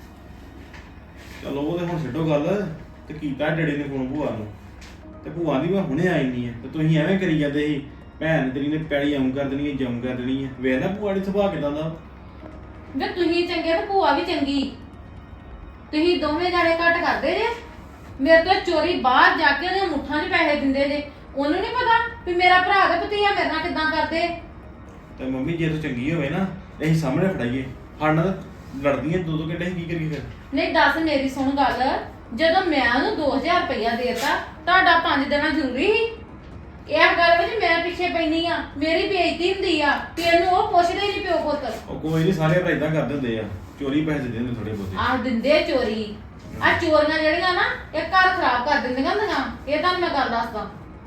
ਚਲੋ ਉਹ ਤੇ ਹੁਣ ਛੱਡੋ ਗੱਲ। ਤੇ ਕੀਤਾ ਡੈਡੀ ਨੇ ਫੋਨ ਭੂਆ ਨੂੰ, ਤੇ ਭੂਆ ਦੀ ਮੈਂ ਹੁਣੇ ਆਈ ਨਹੀਂ ਹੈ, ਤੇ ਤੁਸੀਂ ਐਵੇਂ ਕਰੀ ਜਾਂਦੇ ਸੀ ਭੈਣ ਤੇਰੀ ਨੇ ਪੈੜੀ ਆਉਂ ਕਰ ਦੇਣੀ ਹੈ, ਜਮ ਕਰ ਦੇਣੀ ਹੈ। ਵੇਖ ਨਾ ਭੂਆ ਦੀ ਸੁਭਾਅ ਕਿਦਾਂ ਦਾ।
ਵੇ ਤੁਸੀਂ ਚੰਗੇ ਤੇ ਭੂਆ ਵੀ ਚੰਗੀ, ਤੁਸੀਂ ਦੋਵੇਂ ਜਾਣੇ ਘੱਟ ਕਰਦੇ ਜੇ। ਮੇਰੇ ਤੋਂ ਚੋਰੀ ਬਾਹਰ ਜਾ ਕੇ ਉਹਨੇ ਮੁੱਠਾਂ 'ਚ ਪੈਸੇ ਦਿੰਦੇ ਜੇ। ਉਹਨੂੰ ਨਹੀਂ ਪਤਾ ਵੀ ਮੇਰਾ ਭਰਾ ਤੇ ਭਤੀਆ ਮੇਰੇ ਨਾਲ ਕਿੱਦਾਂ ਕਰਦੇ।
ਤੇ ਮੰਮੀ ਜੇ ਤੂੰ ਚੰਗੀ ਹੋਵੇ ਨਾ, ਅਸੀਂ ਸਾਹਮਣੇ ਫੜਾਈਏ। ਸਾਡੇ ਨਾਲ ਲੜਦੀਆਂ 2-2 ਘੰਟੇ, ਅਸੀਂ ਕੀ ਕਰੀਏ ਫਿਰ?
ਨਹੀਂ ਦੱਸ, ਮੇਰੀ ਸੁਣ ਗੱਲ। ਜਦੋਂ ਮੈਂ ਉਹਨੂੰ 2000 ਰੁਪਇਆ ਦੇਤਾ, ਤੁਹਾਡਾ 5 ਦੇਣਾ ਜ਼ਰੂਰੀ ਸੀ? ਇਹ ਗੱਲ ਵਿੱਚ ਮੈਂ ਪਿੱਛੇ ਪੈਣੀ ਆ, ਮੇਰੀ ਬੇਇੱਜ਼ਤੀ ਹੁੰਦੀ ਆ ਤੇ ਇਹਨੂੰ ਉਹ ਪੁੱਛਦੇ ਨਹੀਂ ਪਿਓ ਪੁੱਤ।
ਉਹ ਕੋਈ ਨਹੀਂ, ਸਾਰੇ ਭਰਾ ਇਦਾਂ ਕਰਦੇ ਹੁੰਦੇ ਆ, ਚੋਰੀ ਪੈਸੇ ਦੇ ਦਿੰਦੇ ਥੋੜੇ ਬਹੁਤੇ।
ਆਹ ਦਿੰਦੇ ਚੋਰੀ। ਆ ਚੋਰੀਆਂ ਜਿਹੜੀਆਂ ਨਾ, ਇਹ ਘਰ ਖਰਾਬ ਕਰ ਦਿੰਦੀਆਂ ਹੁੰਦੀਆਂ। ਇਹ ਤੁਹਾਨੂੰ ਮੈਂ ਗੱਲ ਦੱਸਦਾ।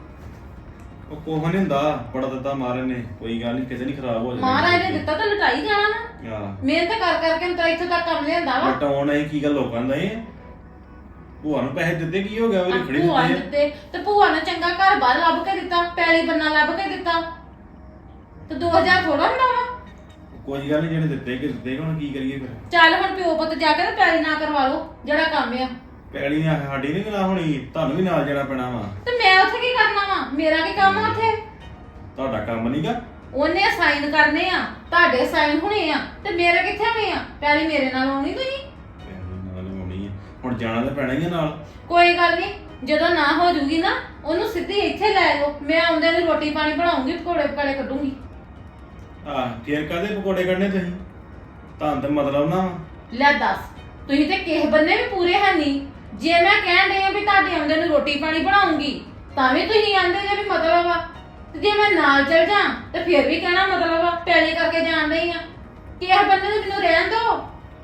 ਉਹ ਕੋਹ ਨਹੀਂ ਹੁੰਦਾ, ਬੜਾ ਦਿੱਤਾ ਮਹਾਰਾਜ ਨੇ, ਕੋਈ ਗੱਲ ਨਹੀਂ, ਕਿਸੇ ਨਹੀਂ ਖਰਾਬ ਹੋ ਜਾਣਾ।
ਮਹਾਰਾਜ ਨੇ ਦਿੱਤਾ ਤਾਂ ਲੁਟਾਈ ਜਾਣਾ ਨਾ।
ਹਾਂ,
ਮਿਹਨਤ ਕਰ ਕਰਕੇ ਹੁਣ ਤਾਂ ਇੱਥੋਂ ਤੱਕ ਕੰਮ ਲਿਆਂਦਾ ਵਾ।
ਬਟਾਉਣ ਇਹ ਕੀ ਗੱਲ ਲੋਕਾਂ ਦਾ ਇਹ? ਭੂਆ ਨੂੰ ਪੈਸੇ ਦਿੱਤੇ ਕੀ ਹੋ ਗਿਆ? ਉਹ ਖੜੀ
ਭੂਆ ਨੇ
ਦਿੱਤੇ ਆ।
ਦਿੱਤੇ ਤੇ ਭੂਆ ਨੇ ਚੰਗਾ ਘਰ ਬਾਹਰ ਲੱਭ ਕੇ ਦਿੱਤਾ, ਪੈਲੀ ਬੰਨਾ ਲੱਭ ਕੇ ਦਿੱਤਾ। ਤੇ 2000 ਥੋੜਾ ਹੁੰਦਾ ਵਾ।
ਕੋਈ ਗੱਲ ਨਹੀਂ, ਜਿਹੜੇ ਦਿੱਤੇ ਕਿ ਦਿੱਤੇ, ਹੁਣ ਕੀ ਕਰੀਏ ਫਿਰ?
ਚੱਲ ਹੁਣ ਪਿਓ ਪੁੱਤ ਜਾ ਕੇ ਤੇ ਪੈਲੀ ਨਾ ਕਰਵਾ ਲਓ ਜਿਹੜਾ ਕੰਮ ਆ।
ਪੈਲੀ ਨੇ ਸਾਡੀ ਨਹੀਂ ਨਾ ਹੋਣੀ, ਤੁਹਾਨੂੰ ਵੀ ਨਾਲ ਜਾਣਾ ਪੈਣਾ ਵਾ।
ਤੇ ਮੈਂ ਉੱਥੇ ਕੀ ਕਰਨਾ ਵਾ? ਮੇਰਾ ਕੀ ਕੰਮ ਆ ਉੱਥੇ?
ਤੁਹਾਡਾ ਕੰਮ ਨਹੀਂਗਾ।
ਉਹਨੇ ਸਾਈਨ ਕਰਨੇ ਆ, ਤੁਹਾਡੇ ਸਾਈਨ ਹੋਣੇ ਆ, ਤੇ ਮੇਰੇ ਕਿੱਥੇ ਹੋਣੇ ਆ? ਪੈਲੀ ਮੇਰੇ ਨਾਲ ਆਉਣੀ ਤੁਸੀਂ।
ਨਾਲ ਹੋਣੀ ਹੈ, ਹੁਣ ਜਾਣਾ ਤਾਂ ਪੈਣਾ ਹੀ ਆ ਨਾਲ।
ਕੋਈ ਗੱਲ ਨਹੀਂ, ਜਦੋਂ ਨਾ ਹੋ ਜੂਗੀ ਨਾ, ਉਹਨੂੰ ਸਿੱਧੀ ਇੱਥੇ ਲੈ ਆਓ। ਮੈਂ ਆਉਂਦੇ ਨੂੰ ਰੋਟੀ ਪਾਣੀ ਬਣਾਉਂਗੀ, ਪਕੌੜੇ ਪਕਾੜੇ ਕੱਢੂੰਗੀ।
ਫੇਰ ਕਾਹਦੇ ਪਕੌੜੇ ਕੱਢਨੇ ਤੁਸੀਂ? ਤਾਂ ਮਤਲਬ ਨਾ।
ਲੈ ਦੱਸ, ਤੁਸੀਂ ਤੇ ਕਿਸੇ ਬੰਨੇ ਵੀ ਪੂਰੇ ਹੈ ਨਹੀਂ। ਜੇ ਮੈਂ ਕਹਿਣ ਡਈ ਆ ਵੀ ਤੁਹਾਡੇ ਆਉਂਦੇ ਨੂੰ ਰੋਟੀ ਪਾਣੀ ਬਣਾਉਂਗੀ, ਤਾਂ ਵੀ ਤੁਸੀਂ ਆਂਦੇ ਜੇ ਵੀ ਮਤਲਬ ਆ। ਤੇ ਜੇ ਮੈਂ ਨਾਲ ਚਲ ਜਾ ਤੇ ਫਿਰ ਵੀ ਕਹਿਣਾ ਮਤਲਬ ਆ, ਪੈਲੀ ਕਰਕੇ ਜਾਣ ਡਈ ਆ। ਕਿਸੇ ਬੰਨੇ ਨੂੰ ਮੈਨੂੰ ਰਹਿਣ ਦਿਓ।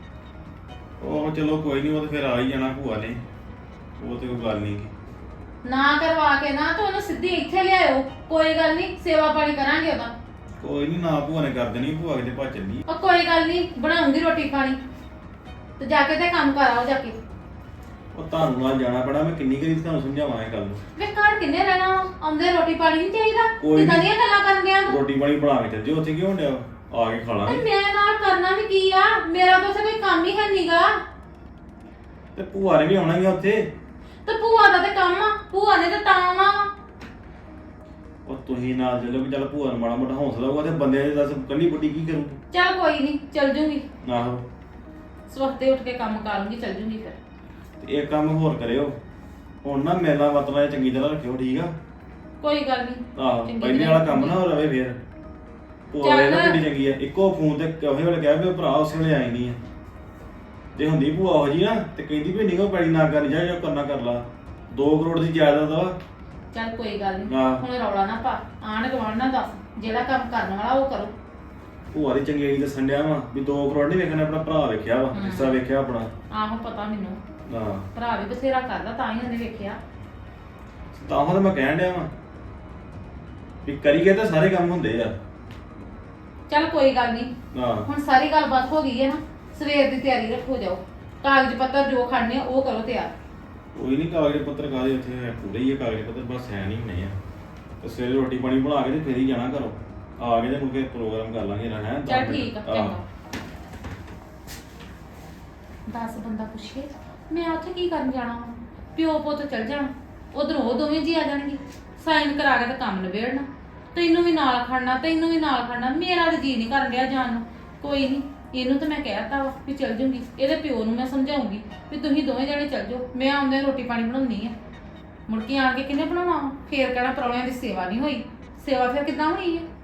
ਉਹ ਚਲੋ ਕੋਈ ਨਹੀਂ, ਉਹ ਤਾਂ ਫਿਰ ਆ ਹੀ ਜਾਣਾ ਭੂਆ ਨੇ, ਉਹ ਤੇ ਕੋਈ ਗੱਲ ਨਹੀਂ।
ਨਾ ਕਰਵਾ ਕੇ ਨਾ ਤਾਂ ਉਹਨੂੰ ਸਿੱਧੀ ਇੱਥੇ ਲਿਆਇਓ। ਕੋਈ ਗੱਲ ਨਹੀਂ, ਸੇਵਾ ਪਾਣੀ ਕਰਾਂਗੇ ਉਹਦਾ।
ਕੋਈ ਨਹੀਂ, ਨਾ ਭੂਆ ਨੇ ਕਰ ਦੇਣੀ, ਭੂਆ ਕਿਤੇ ਭੱਜ ਚੱਲੀ।
ਉਹ ਕੋਈ ਗੱਲ ਨਹੀਂ, ਬਣਾਉਂਗੀ ਰੋਟੀ ਪਾਣੀ। ਤੇ ਜਾ ਕੇ ਤੇ ਕੰਮ ਕਰ ਆਓ ਜਾ ਕੇ।
ਉਹ ਤੁਹਾਨੂੰ ਨਾਲ ਜਾਣਾ ਪੈਣਾ, ਮੈਂ ਕਿੰਨੀ ਕਰੀ ਤੁਹਾਨੂੰ ਸਮਝਾਵਾਂ ਇਹ ਗੱਲ ਨੂੰ।
ਵੇ ਘਰ ਕਿੰਨੇ ਰਹਿਣਾ ਵਾ? ਆਉਂਦੇ ਰੋਟੀ ਪਾਣੀ ਨਹੀਂ ਚਾਹੀਦਾ?
ਕੋਈ
ਕਿੱਦਾਂ
ਨੀ।
ਦੀਆਂ ਗੱਲਾਂ ਕਰਨ ਗਿਆ ਤੂੰ?
ਰੋਟੀ ਪਾਣੀ ਬਣਾ ਕੇ ਚੱਲ ਜਿਓ, ਉੱਥੇ ਕੀ ਹੋਣ ਡਿਆ? ਆ ਕੇ ਖਾ
ਤੇ
ਲਾਂਗੇ।
ਮੈਂ ਨਾਲ ਕਰਨਾ ਵੀ ਕੀ ਆ? ਮੇਰਾ ਤਾਂ ਉੱਥੇ ਕੋਈ ਕੰਮ ਹੀ ਹੈ ਨਹੀਂਗਾ।
ਤੇ ਭੂਆ ਨੇ ਵੀ ਆਉਣਾ ਹੀ ਆ ਉੱਥੇ।
ਤੇ ਭੂਆ ਦਾ ਤੇ ਕੰਮ ਆ, ਭੂਆ ਨੇ ਤਾਂ ਤਾਂ ਆਉਣਾ ਵਾ।
ਉਹ ਤੁਸੀਂ ਨਾਲ ਚੱਲੋ ਕਿ ਚੱਲ ਭੂਆ ਨੂੰ ਮਾੜਾ ਮੋਟਾ ਹੌਸਲਾ ਹੋਊਗਾ, ਤੇ ਬੰਦੇ ਦੇ ਦੱਸ ਕੱਲੀ ਬੁੱਢੀ ਕੀ ਕਰੂਗੀ?
ਚੱਲ ਕੋਈ ਨਹੀਂ, ਚੱਲ ਜੂੰਗੀ।
ਆਹੋ,
ਸਵਖਤੇ ਉੱਠ ਕੇ ਕੰਮ ਕਰ ਲੂੰਗੀ, ਚੱਲ ਜੂੰਗੀ ਫਿਰ।
ਤੇ ਇੱਕ ਕੰਮ ਹੋਰ ਕਰਿਓ, ਹੁਣ ਨਾ ਮੇਲਾ ਵਤਨਾ ਚੰਗੀ ਤਰ੍ਹਾਂ ਰੱਖਿਓ, ਠੀਕ ਆ?
ਕੋਈ ਗੱਲ ਨਹੀਂ।
ਆਹੋ,
ਚੰਗੀ
ਪਹਿਲੇ
ਤਰ੍ਹਾਂ
ਵਾਲਾ ਕੰਮ ਨਾ ਹੋ ਰਵੇ ਫੇਰ। ਭੂਆ
ਚੱਲ।
ਵੇਖ ਨਾ ਕਿੱਡੀ ਚੰਗੀ ਆ, ਇੱਕੋ ਫੋਨ ਤੇ ਕਹੇ ਵੇਲੇ ਕਹਿ ਵੀ ਭਰਾ ਉਸੇ ਵੇਲੇ ਆਈ ਨਹੀਂ ਆ। ਤੇ ਹੁੰਦੀ ਭੂਆ ਉਹ ਜੀ ਨਾ, ਤੇ ਕਹਿੰਦੀ ਵੀ ਨਿਗੋ ਪੈੜੀ ਨਾ ਕਰ ਜਾ, ਜੋ ਕਰਨਾ ਕਰ ਲਾ। 2 ਕਰੋੜ ਦੀ ਜਾਇਦਾਦ ਵਾ।
ਚੱਲ ਕੋਈ ਗੱਲ ਨਹੀਂ,
ਹਾਂ।
ਹੁਣ ਰੌਲਾ ਨਾ ਪਾ। ਆਣ ਗਵਾਣ ਨਾ ਦੱਸ, ਜਿਹੜਾ ਕੰਮ ਕਰਨ ਵਾਲਾ ਉਹ ਕਰੋ।
ਭੂਆ ਦੀ ਚੰਗਿਆਈ ਦੱਸਣ ਡਿਆ ਵਾ ਵੀ 2 ਕਰੋੜ ਨਹੀਂ ਵੇਖਣਾ, ਆਪਣਾ ਭਰਾ ਵੇਖਿਆ ਵਾ ਜਿਸ ਤਰ੍ਹਾਂ ਵੇਖਿਆ ਆਪਣਾ।
ਆਹੋ ਪਤਾ ਮੈਨੂੰ,
ਹਾਂ
ਭਰਾ ਵੀ ਬਥੇਰਾ ਕਰਦਾ ਤਾਂ ਹੀ ਉਹਨੇ ਵੇਖਿਆ।
ਤਾਂ ਉਹ ਤਾਂ ਮੈਂ ਕਹਿਣ ਡਿਆ ਵਾ ਵੀ ਕਰੀਏ ਤਾਂ ਸਾਰੇ ਕੰਮ ਹੁੰਦੇ ਆ।
ਚੱਲ ਕੋਈ ਗੱਲ ਨਹੀਂ,
ਹਾਂ
ਹੁਣ ਸਾਰੀ ਗੱਲਬਾਤ ਹੋ ਗਈ ਹੈ ਨਾ, ਸਵੇਰ ਦੀ ਤਿਆਰੀ ਰੱਖੋ, ਜਾਓ ਕਾਗਜ਼ ਪੱਤਰ ਜੋ ਖੜਨੇ ਆ ਉਹ ਕਰੋ ਤਿਆਰ।
ਕੋਈ ਨਹੀਂ, ਕਾਗਜ਼ ਪੱਤਰ ਕਾਹਦੇ ਉੱਥੇ ਪੂਰੇ ਹੀ ਆ ਕਾਗਜ਼ ਪੱਤਰ, ਬਸ ਹੈ ਨਹੀਂ ਹੋਣੇ ਆ। ਤੇ ਸਵੇਰੇ ਰੋਟੀ ਪਾਣੀ ਬਣਾ ਕੇ ਤੇ ਫੇਰ ਹੀ ਜਾਣਾ ਘਰੋਂ, ਆ ਕੇ ਤੇ ਮੁੜ ਕੇ ਪ੍ਰੋਗਰਾਮ ਕਰ ਲਾਂਗੇ ਨਾ। ਹੈ
ਚੱਲ ਠੀਕ ਆ, ਚੰਗਾ। 10 ਬੰਦਾ ਪੁੱਛੇ ਮੈਂ ਉੱਥੇ ਕੀ ਕਰਨ ਜਾਣਾ ਵਾ? ਪਿਓ ਪੁੱਤ ਚੱਲ ਜਾਣਾ, ਉਧਰੋਂ ਉਹ ਦੋਵੇਂ ਜੀ ਆ ਜਾਣਗੇ, ਸਾਈਨ ਕਰਾ ਕੇ ਤਾਂ ਕੰਮ ਨਿਬੇੜਨਾ। ਤੈਨੂੰ ਵੀ ਨਾਲ ਖੜਨਾ, ਤੈਨੂੰ ਵੀ ਨਾਲ ਖੜਨਾ, ਮੇਰਾ ਤਾਂ ਜੀ ਨਹੀਂ ਕਰਨ ਡਿਆ ਜਾਣ ਨੂੰ। ਕੋਈ ਨਹੀਂ, ਇਹਨੂੰ ਤਾਂ ਮੈਂ ਕਹਿਤਾ ਵਾ ਵੀ ਚੱਲ ਜੂੰਗੀ, ਇਹਦੇ ਪਿਓ ਨੂੰ ਮੈਂ ਸਮਝਾਉਂਗੀ ਵੀ ਤੁਸੀਂ ਦੋਵੇਂ ਜਣੇ ਚੱਲ ਜਾਓ, ਮੈਂ ਆਉਂਦੇ ਰੋਟੀ ਪਾਣੀ ਬਣਾਉਣੀ ਆ। ਮੁੜ ਕੇ ਆਣ ਕੇ ਕਿਹਨੇ ਬਣਾਉਣਾ ਵਾ? ਫੇਰ ਕਹਿਣਾ ਪ੍ਰਾਹੁਣਿਆਂ ਦੀ ਸੇਵਾ ਨਹੀਂ ਹੋਈ, ਸੇਵਾ ਫਿਰ ਕਿੱਦਾਂ ਹੋਈ ਹੈ?